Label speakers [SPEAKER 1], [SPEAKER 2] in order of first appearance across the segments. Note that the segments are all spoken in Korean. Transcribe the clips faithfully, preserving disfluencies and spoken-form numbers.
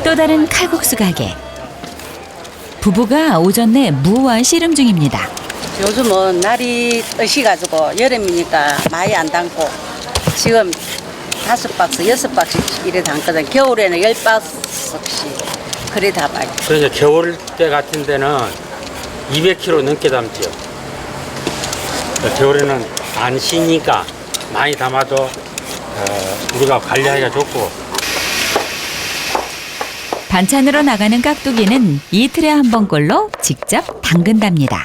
[SPEAKER 1] 또 다른 칼국수 가게. 부부가 오전 내 무와 씨름 중입니다.
[SPEAKER 2] 요즘은 날이 으시가지고 여름이니까 많이 안 담고 지금 다섯 박스, 여섯 박스 이래 담거든. 겨울에는 열 박스씩 그래 담아요.
[SPEAKER 3] 그래서 겨울 때 같은 데는 이백 킬로그램 넘게 담죠. 겨울에는 안 쉬니까 많이 담아도 어, 우리가 관리하기가 좋고.
[SPEAKER 1] 반찬으로 나가는 깍두기는 이틀에 한 번꼴로 직접 담근답니다.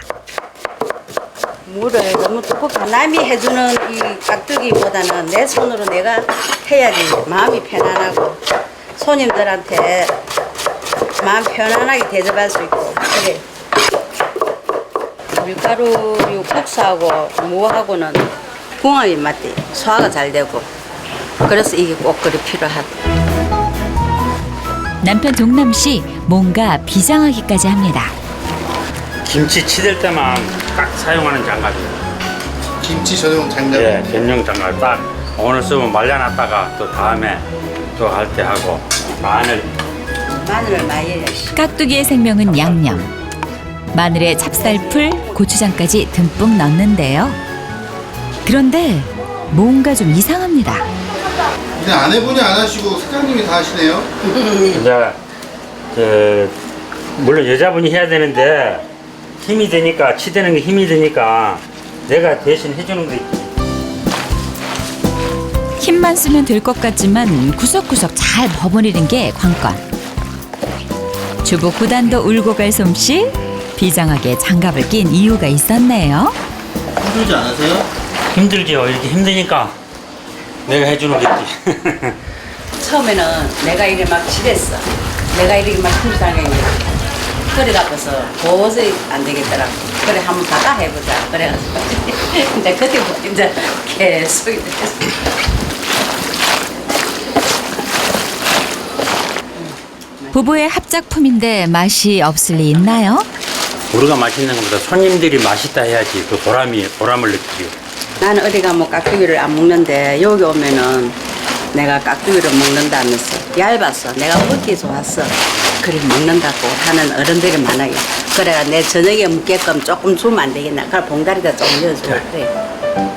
[SPEAKER 2] 물을 너무 두껍게 남이 해주는 이 깍두기보다는 내 손으로 내가 해야지 마음이 편안하고 손님들한테 마음 편안하게 대접할 수 있고 그래. 밀가루 국수하고 무하고는 궁합이 맞대. 소화가 잘 되고 그래서 이게 꼭 그리 필요하다.
[SPEAKER 1] 남편 종남 씨 뭔가 비장하기까지 합니다.
[SPEAKER 3] 김치 치댈 때만 딱 사용하는 장갑이에요.
[SPEAKER 4] 김치 전용 장갑.
[SPEAKER 3] 예, 전용 장갑 딱 오늘 쓰면 말려놨다가 또 다음에 또 할 때 하고. 마늘.
[SPEAKER 2] 마늘을 많이 해야지.
[SPEAKER 1] 깍두기의 생명은 양념. 마늘에 찹쌀풀, 고추장까지 듬뿍 넣는데요. 그런데 뭔가 좀 이상합니다.
[SPEAKER 4] 그냥 아내분이 안 하시고 사장님이 다 하시네요.
[SPEAKER 3] 이제 그 물론 여자분이 해야 되는데 힘이 되니까 치대는 게 힘이 되니까 내가 대신 해주는 거 있지.
[SPEAKER 1] 힘만 쓰면 될 것 같지만 구석구석 잘 버무리는 게 관건. 주부 구단도 울고 갈 솜씨. 비장하게 장갑을 낀 이유가 있었네요.
[SPEAKER 4] 힘들지 않으세요?
[SPEAKER 3] 힘들죠. 이렇게 힘드니까 내가 해주는 거지.
[SPEAKER 2] 처음에는 내가 이래 막 지랬어. 내가 이렇게 막 힘들다니 허리가 아파서 도저히 안 되겠더라고. 그래 한번 다가 해보자. 그래가지고 이제 그때부터 이제 계속 이렇게
[SPEAKER 1] 부부의 합작품인데 맛이 없을 리 있나요?
[SPEAKER 3] 우리가 맛있는 것보다 손님들이 맛있다 해야지 그 보람이 보람을 느끼죠.
[SPEAKER 2] 나는 어디 가면 깍두기를 안 먹는데 여기 오면은 내가 깍두기를 먹는다면서 얇았어. 내가 먹기 좋았어. 그래 먹는다고 하는 어른들이 많아요. 그래 내 저녁에 먹게끔 조금 주면 안 되겠나. 그래 봉다리다 좀 넣어줘. 그래.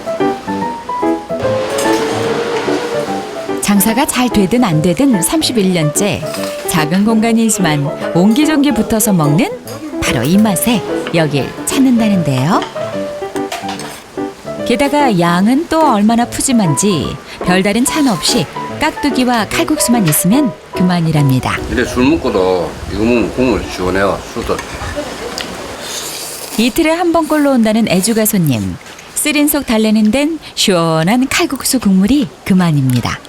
[SPEAKER 1] 장사가 잘 되든 안 되든 삼십일 년째 작은 공간이지만 옹기종기 붙어서 먹는 바로 이 맛에 여길 찾는다는데요. 게다가 양은 또 얼마나 푸짐한지 별다른 찬 없이 깍두기와 칼국수만 있으면 그만이랍니다.
[SPEAKER 5] 근데 술 먹고도 이거 먹으면 국물 시원해요. 술도.
[SPEAKER 1] 이틀에 한 번꼴로 온다는 애주가 손님. 쓰린 속 달래는 데는 시원한 칼국수 국물이 그만입니다.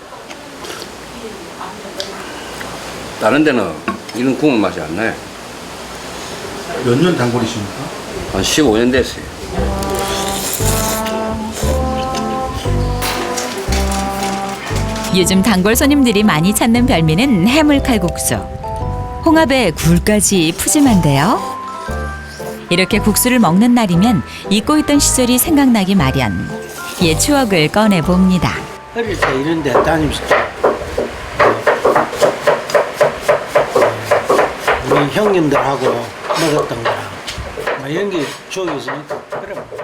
[SPEAKER 5] 다른 데는 이런 국물 맛이 안 나요.
[SPEAKER 4] 몇 년 단골이십니까?
[SPEAKER 5] 한 십오 년 됐어요.
[SPEAKER 1] 요즘 단골 손님들이 많이 찾는 별미는 해물칼국수. 홍합에 굴까지 푸짐한데요. 이렇게 국수를 먹는 날이면 잊고 있던 시절이 생각나기 마련. 옛 추억을 꺼내봅니다.
[SPEAKER 6] 어릴 때 이런 데 다니면서 우리 형님들하고 먹었던 거랑 막 이런 게 추억이 있으니까 그래.